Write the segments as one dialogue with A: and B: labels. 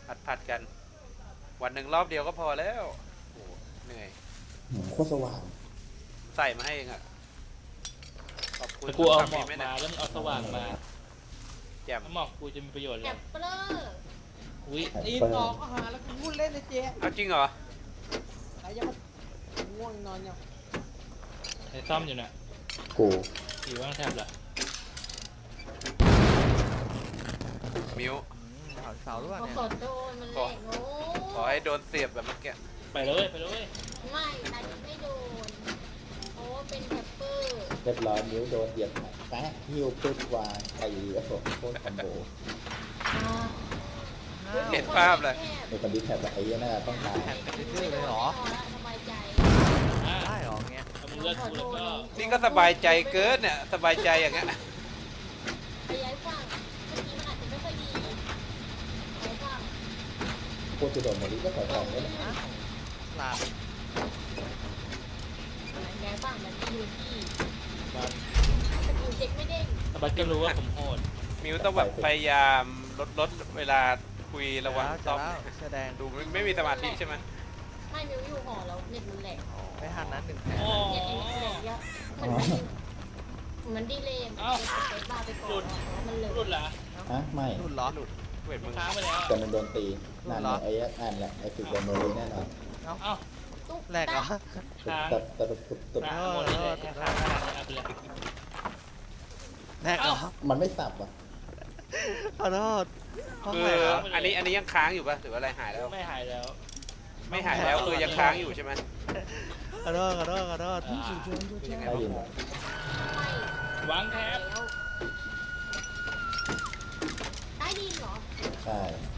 A: ผัดกันวันหนึ่งรอบเดียวก็พอแล้วโอ้เหนื่อย
B: โคตรสว่าง
A: ใส่มาให้เองอะขอบคุณ
C: แต่กูเอาหมอก
A: ไหม
C: มา
A: นะ
C: แล้วมึงเอาสว่างมา
A: แจ่ม
C: แล้วหมอกกูจะมีประโยชน์เล
D: แก
C: ย
D: ปเปอร์
C: อุ้ย
E: ตีนต่อก็หาแล้วกูพูดเล่นเลยเจ๊
A: เอาจริงเหรอ
E: ใครยังง่วงนอนยัง
C: ไอ้ซ่อมอยู่น่ะ
B: กู
C: อยู่ว่างแทบละ
A: มิว
F: ถอนเสาหรือเปล่า
D: ขอ
F: เนี่ย
D: ขอโดนมันแหลกโง่
A: ขอให้โดนเสียบแบบเมื่อกี้
C: ไปเลยไปเลย
D: ไม่ตอนนี้ไม่โดนเพราะว่าเป็นแกปเปอร์
B: เรียบร้อยนิ้วโดนเหยียบแป๊ะหิ้วปึ๊บวางตีกระโดดโคตรคอมโบ
A: เห็นภาพเลย
B: ในคนที่แถบไอ้เนี่ยน่าจะต้องตาย
F: แข่งกันดื้อๆเลยเหรอ
D: สบายใจ
C: อ่ะ
F: ได้เหรอเงี้ย
C: ถ้ามึงเลือกกูแล้วก็
A: นี่ก็สบายใจเกินเนี่ยสบายใจอย่างเงี้ย
D: ไปย้ายฝั่งเมื่อกี้มันอาจจะไม่ค่อยดีย้ายฝั่ง
B: โคตรจะโดนมาดิก็ถอยๆไม่ได้
F: อ้าวหลับ
D: ย้ายฝั่งมันดีที่
C: บัส
D: สกิลเช็คไม่เด้ง
C: ถ้าบัสก็รู้ว่าผมโหด
A: มิวต้องแบบพยายามลดเวลาคุยระหว่าง
F: จะ
A: ซ้อม
F: แล้วแสดง
A: ดูไม่มีสมาธิใช่ไหม
D: ไม่มิวอยู่หอแล้วเน็ตมันแหลก
F: ไม่ทันนั้นหนึ่งแผล
C: โอ้
D: เน็ตแหลกเยอะมันดีเลยมันเซ็ตบาร์ไปก่อนมันเลย
C: รุ่นละ
B: ฮะไม่
F: รุ่นเหรอ
A: เวทมึง
C: ค้างไปแล้ว
B: แต่มันโดนตีนั่นไอ้นั่นแหละไอ้ฝึกโดนโมลีแน่นอน
C: เอ้า
D: ตุ๊ก
F: แรกเหรอ
C: ค้าง
B: ตุบ
C: ค้างหมดเลยค้างขนาดนี้เอาไปเลย
F: แรกเหรอ
B: มันไม่สับอ่ะ
F: ขอโทษห้อง
A: คือ
F: แรกเหรอ
A: อันนี้ยังค้างอยู่ป่ะหรือว่าอะไรหายแล้ว
C: ไม่หายแล้ว
A: ไม่หายแล้วคือยังค้างอยู่ใช่ไหม
F: ขอโทษขอโทษขอโทษ
A: ยังไง
B: ได้
A: วะ
B: ยินไหม
C: วางแทบ
D: ใต้ดินเหรอ
B: ใช่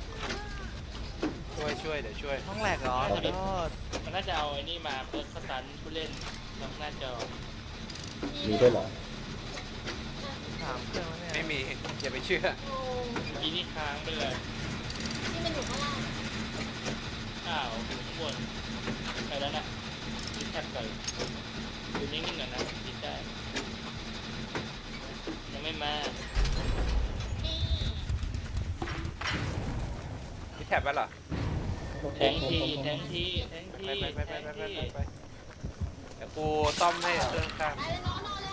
A: ช่วยเดี๋ยวช่วย
F: ห้องแรกเหรอขอโทษ
C: มันน่าจะเอาไอ้นี่มาเปิดสตันผู้เล่นนอกหน้าจอ
B: มีด้วยเหรอ
F: ถามเครื่องแล้วเนี่ย
A: ไม่มีอย่าไปเชื่อ
D: โอ้
C: อีนี่ค้างไปเลย
D: ที่มันอยู่ข้างล่าง
C: อ้าวอยู่ข้างบนไปแล้วนะดิแท็บก่อนอยู่นิ่งๆก่อนนะดิได้ยังไม่มา
D: นี่
A: มีแท็บแล้วเหรอ
C: แทงทีแทงทีแทงที
A: ไป
C: แทงที
A: เดี๋ยวกูซ่อมให้เครื่องข้าง
D: ตายแล้วนอนแล้ว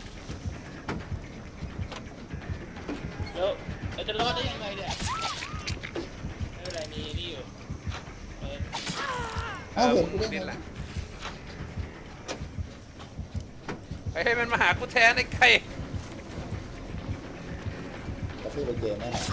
C: แล้วเราจะรอดได้ยังไงเนี่ยไม่เป็นไรมีนี่อยู่เออ
B: อ้าวเห็นกูได้
A: นี่
B: ไง
A: แหละให้มันมาหากูแทนไอ้ไก่
B: กระทืบไปเกมแน่นอน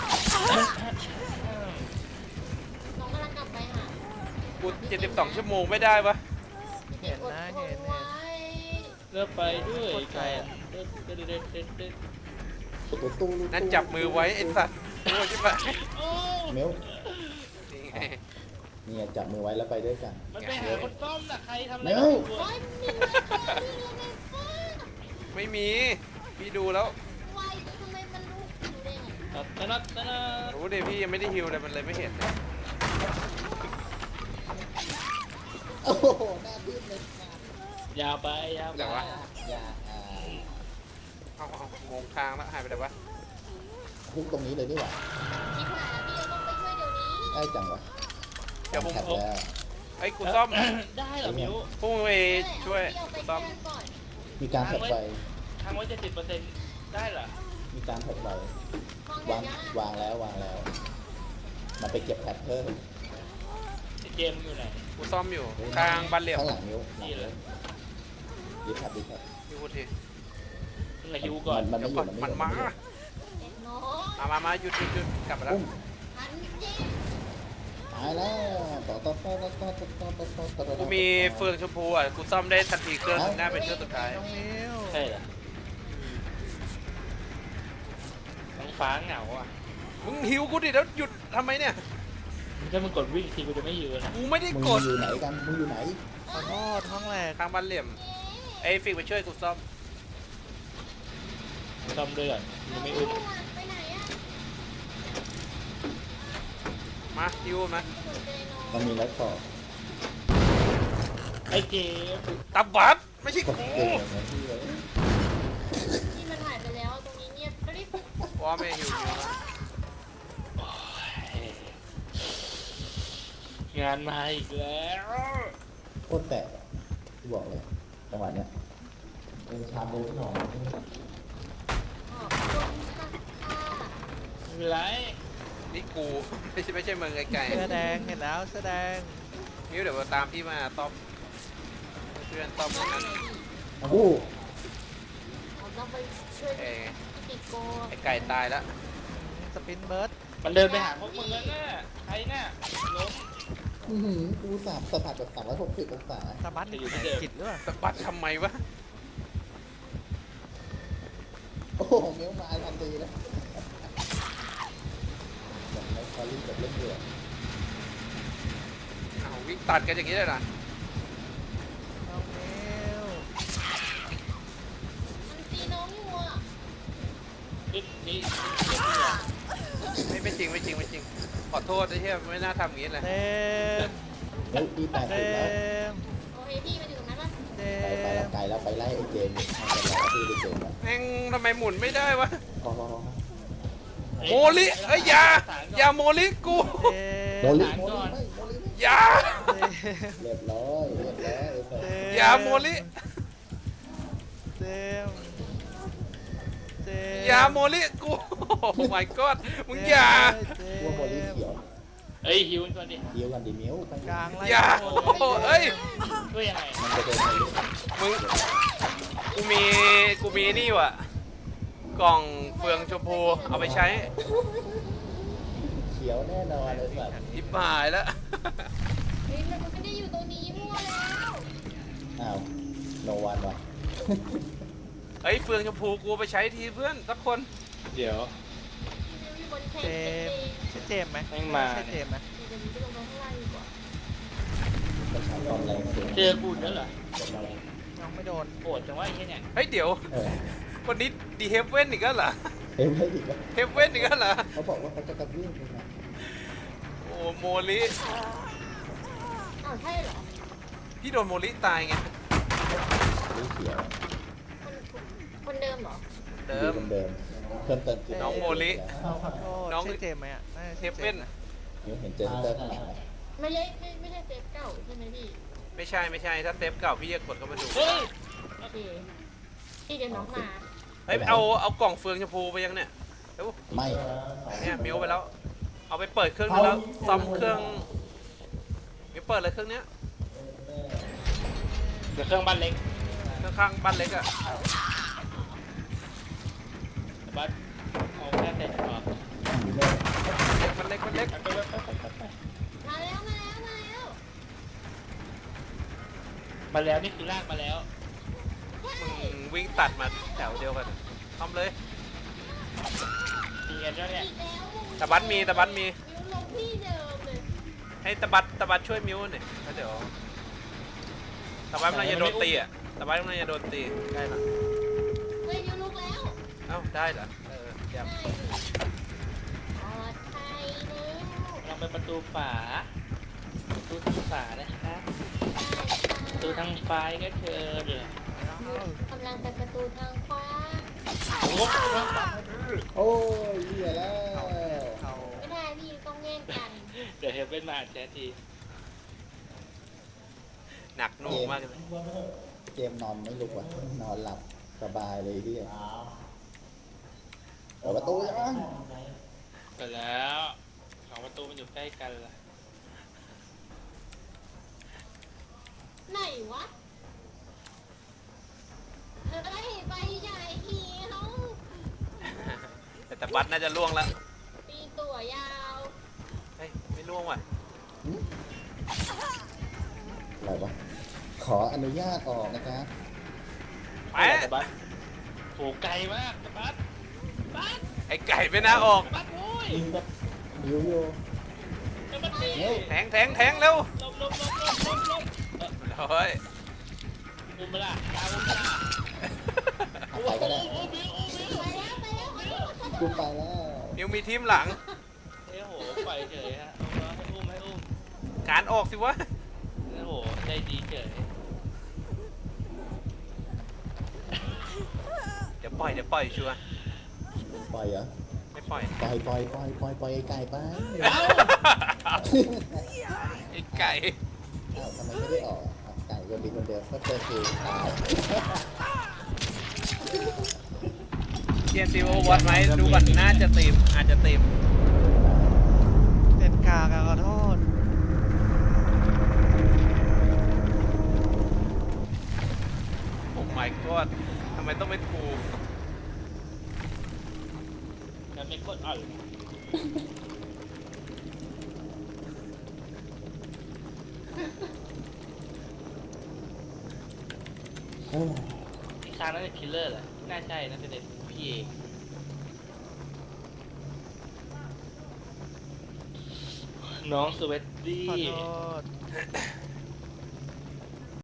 D: น้องกำลังกลับไปหา
A: กู72 ชั่วโมงไม่ได้ปะ
F: เห็นนะเห็น
D: ไว้
C: เลือกไปด้วยกันเด็ดเด็ดเด็ดเด็ดเด็ด
B: ตู้
A: นั่นจับมือไว้ไอ้สัตว์โอ้ยใช่ปะ
C: โอ้
B: เมล
A: นี่ไง
B: เนี่ยจับมือไว้แล้วไปด้วยกัน
C: มันไปหาคนซ่อมน่ะใครทำอะไร
B: เร็ว
C: อยู่
D: โอ้
C: อะ
D: ยมีไว้ก่อนมีแล้วไงฟ้า
A: ไม่มีพี่ดูแล้ว
D: ไว้ทำไมมันรู้อยู่ได้ไง
C: ตะนัดตะนัด
A: รู้ดิพี่ยังไม่ได้ฮิวเลยมันเลยไม่เห็นเลย
B: โอ้โหหน้าทืบเลย
C: ยาวไปยาวไป
A: แต่ว่า
B: อย่า
A: เอางงทางแล้วหายไปไหนวะ
B: ฮุกตรงนี้เลยดีกว่า
D: ชิบหายแล้วพี่เราต้องไปช่วยเดี๋ยวนี้
B: ได้จังวะ
A: เดี๋ยวผม
B: แท็บแล้ว
A: ไอ้กูซ่อม
C: ได้เหรอมิว
A: พุ่งไปช่วย
D: เอาไป
A: ซ่อม
D: แก้ก่อน
B: มีการแท็บไฟ
C: ทางไว้70%ได้เหรอ
B: มีการแท็บไฟ
D: ห้อง
B: วาง
D: เดี๋ยวนะ
B: วางแล้วมันไปเก็บแท็บเพิ่ม
C: ไอ้เจมส์อยู่ไหน
A: กูซ่อมอยู่กลางบันเหลี่ยม
B: ข้างหลังนิ้วหลัง
C: นี่เลย
B: ยึดแท็บยึดแท็บ
A: พี่พูดที
C: มึงอะฮิวก่อน
B: มัน
A: เดี๋
B: ไม่
A: ยว
B: อ
A: ก่อยู่ นมันมา
D: เด็กน้อย
A: มาหยุดกลับมาแล้ว
B: ปุ้ม
D: หันจริง
B: ตายแล้วต่อ
A: กูมีเฟืองชมพูอ่ะกูซ่อมได้ทันทีเครื่องหน้าเป็นเครื่องสุดท้าย
F: น้องมิว
C: ใช่เหรอท้องฟ้าเหงาอ่ะ
A: มึงหิวกูดิแล้วหยุดทำไมเนี่ย
C: ถ้ามึงกดวิ่งทีกูจะไม่ยืนนะ
A: กูไม่ได้
B: มึง
A: กด
B: อยู่ไหนกันมึงอยู่ไหน
F: ขอโทษห้องแรก
A: ทางบันเหลี่ยมไอ้ฟิกไปช่วยกูซ่อม
C: ซ่อมด้วยก่อนยังไม่อึด
D: ไปไหนอะ
A: มาฮิวมา
D: ไม่สนใจน้อง
B: มันมีแล้วต่อ
C: ไอ้เจมส์
A: ตับบัตไม่ใช่
B: กด
A: กู
B: เก่งเหมือนที่เลย
D: ที่มันหายไปแล้วตรงนี้เงียบกริบ
A: ว่าไม่ฮิวมา
C: งานมาอีกแล้ว
B: โคตรแสบอะที่บอกเลยจังหวะเนี้ยเป็นชามเดียวที่นอน
D: ขอบคุณค่ะ
C: ไม่เป็นไร
A: นี่กูไม่ใช่มึงไกล
F: เสื้อแดงเห็นแล้วเสื้อแดง
A: ๆมิ้วเดี๋ยวตามพี่มาต้อมเพื่อนต้อม
D: ได้
A: นั่น
D: ไหนพี่
B: โอ้โห
D: เราต้องไปช่วย
A: เอ้ย
D: พี่ติโก
A: ไอ้ไก่ตายแล้ว
F: สปินเบิร์ด
C: มันเดินไปหาพวกมึงแล้วน่ะใครน่ะล้ม
B: อื้อหือกูสัมผัสแบบ360องศา
F: สะบัด
C: จะอยู่ที่
F: แขน
C: เดิม
F: จิตหรือเปล่า
A: สะบัดทำไมวะ
B: โอ้โหเมียวมาทันทีเลยแบบไม่คอรี่แบบเล่นเดือด
A: อ้าววิ่งตัดกันอย่างนี้เลยนะ
F: น้องเมล
D: มันตีน้องอยู่อ่ะ
C: นี่
A: ไม่จริงขอโทษไอ้เหี้ยไม่น่าทำอย่างนี้เลย
F: เต็ม
B: เฮ้ยพี่แปด
F: เต็
B: สิบแล้ว
F: ม
D: โอเคพี่มาอยู่ตรงนั้นป่ะ
F: เต็
B: ไปแล้ว
F: ม
B: ไกลแล้วไปไล่ไอ้เจมส์มันจะรอพี่ไปเจมส์แล้ว
A: แม่งทำไมหมุนไม่ได้วะ
B: พอ
A: โมลิเอ้ยอย่าโมลิกู
B: โมลิ
C: โม
B: โม
C: ลิ
B: ลิไม่โมลิไม่
A: อย่า
B: เรียบร้อยไอ้สัส
A: อย่าโมลิ
F: เต็มเต็ม
A: อย่าโมลิกูโอ้ my god มึงอย่า
B: พวกโมลิเขียว
C: เอ้ยฮิวก่อนดิ
B: เดียวกันดิเมียวไป
F: กลางไล่
A: อย่าโอ้เอ้ย
C: ช่วยยังไง
B: มันจะเป็นโมลิ
A: มึงกูมีนี่ว่ะกล่องเฟืองชมพูเอาไปใช้
B: เขียวแน่นอนเลยสัตว์
A: อิบหายแล้ว
D: เฮ้ยมันไม่ได้อยู่ตรงนี้มั่วแล้ว
B: อ้าวโนวันว่ะ
A: เฮ้ยเฟืองชมพูกูเอาไปใช้ทีเพื่อนสักคน
C: เดี๋ยว
D: อยู่บนเท
F: เจ
D: น
F: มใช่เจมไหม
C: แม่งมา
F: ใช่เจมไหม
D: เดี๋ยวนี้ไปลงมาข้างล่างดีกว่า
B: ไปใช้ความแรงสูง
C: เจอกูอีกแล้วเหรอ
F: น้องไม่โดน
C: โกรธจังว่าไอ้เหี้ยเนี่ย
A: เฮ้ยเดี๋ยว
B: เออ
A: วันนี้ดีเฮฟเว่นอีกแล้วเหรอ
B: เฮ้ยไม่ดีวะ
A: เฮฟเว่นอีกแล้วเหรอ
B: เขาบอกว่าเขาจะกระเบื้องเลยนะ
A: โอ้โมลิ
D: อ้าวใช่เหรอ
A: พี่โดนโมลิตายไง
B: สีเขียว
D: คนเดิมเหรอ
A: เดิม
B: เดิมเพิ่มเติมคือ
A: น้องโมลิ
F: ขอโทษ
A: น้อง
F: ใช่เจมไหมอ่ะน่าจะ
A: เฮ
F: ใช่
A: ฟ
F: เจ
A: เว่
F: ม
A: น
F: นะ
B: เดี๋ยวเห็นเจสเตอร์ข้างหลังไหม
D: ไม่ใช่เซฟเก่าใช่ไหมพี่
A: ไม่ใช่ถ้าเซฟเก่าพี่จะกดเข้ามาดู
C: เฮ้ย
D: โอเคพี่เดี๋ยวน้องมา
A: เฮ้ยเอากล่องเฟืองชมพูไปยังเนี่ยเดี๋ยว
B: ไม่
A: เนี่ยมิวไปแล้ว เอาไปเปิดเครื่องนึงแล้วซ่อมเครื่องมิวเปิดเลยเครื่องเนี้ย
C: เดี๋ยวเครื่องบ้านเล็ก
A: เครื่องข้างบ้านเล็กอะ
C: บ้านเอาแค่เสร็จก่อน
A: มันเล็ก
C: ไป
D: มาแล้ว
C: มาแล้วนี่คือลากมาแล้ว
A: มึงวิ่งตัดมาแถวเดียวกันทำเลย
C: มีกันแล้วเนี่ย
D: อีกแล้ว
A: ตะบัดมี
D: มิวลงที่เดิมเลย
A: ให้ตะบัดช่วยมิวหน่อยแล้วเดี๋ยวตะบัดมันจะโดนตีอ่ะตะบัดมันจะโดนตีได้ละ
D: เฮ้ยมิวลุกแล้ว
A: เอ้าได้เหรอเยี่ยม
D: ได้ดิปลอดภัยแล้ว
C: เราไปประตูฝาประตูทางฝานะครับประตูทางไฟก็เชิญเลย
D: กำลังไปประตูทางขวา
C: โอ้โห
B: โอ้ยเหี้ยแล้ว
F: เขา
D: ไม่ได้พี่ต้องแย่งกัน
C: เดี๋ยวเฮฟเว่นมาแชทที
A: หนักหน่วงมากเลย
B: เกมนอนไม่ลุกว่ะนอนหลับสบายเลยพี่เปิดประตูยัง
C: เปิดแล้วสองประตูมันอยู่ใกล้กันล่ะ
D: ไหนวะเฮ้ยไปใหญ่ทีเขา
A: แต่ตะบัดน่าจะล่วงแล้ว
D: ปีนตัวยาว
A: เฮ้ยไม่ล่วงว่ะ
B: อะไรวะขออนุญาตออกนะครับ
A: ไป
C: ตะบัดโหไกลมากตะบัดบัด
A: ไอ้ไก่ไม่น่าออก
C: ตะบัดโว้ย
B: ยิวอยู่
C: ตะบัดตี
A: แทงเร็ว
C: ลบ
A: เฮ้ย
C: ดูมาละดาวมาละ
B: ไปก็ได้
C: โอ้บิวโอ้บิว
D: ไปแล้ว
B: กูไปแล้ว
A: มิวมีทีมหลัง
C: เอ้โหไปเฉยฮะให้อุ้ม
A: การออกสิวะ
C: โอ้โหใจดีเฉย
A: เดี๋ยวปล่อยชัวร์
B: ปล่อยเหรอ
A: ไม่ปล่อย
B: ปล่อยไอ้ไก่ไป
C: เอ้า
A: ไอ้ไ
B: อ้าวทำไมไม่ได้ออกอ่ะไก่คนดีคนเดิมก็เจอคือตาย
A: เทียนซีโอวัดไหมดูก่อนน่าจะตีมอาจจะตีม
F: เป็นกากอะขอโทษ
A: โอ้ my god ทำไมต้องเป็นกู
C: แล้วไม่กดอ่อย
B: เอ้ย
C: อีกครั้งนั้นเป็นคิลเลอร์เหรอน่าใช่น่าจะเป็นพี่เองน้องสวีตตี้
F: ขอโทษ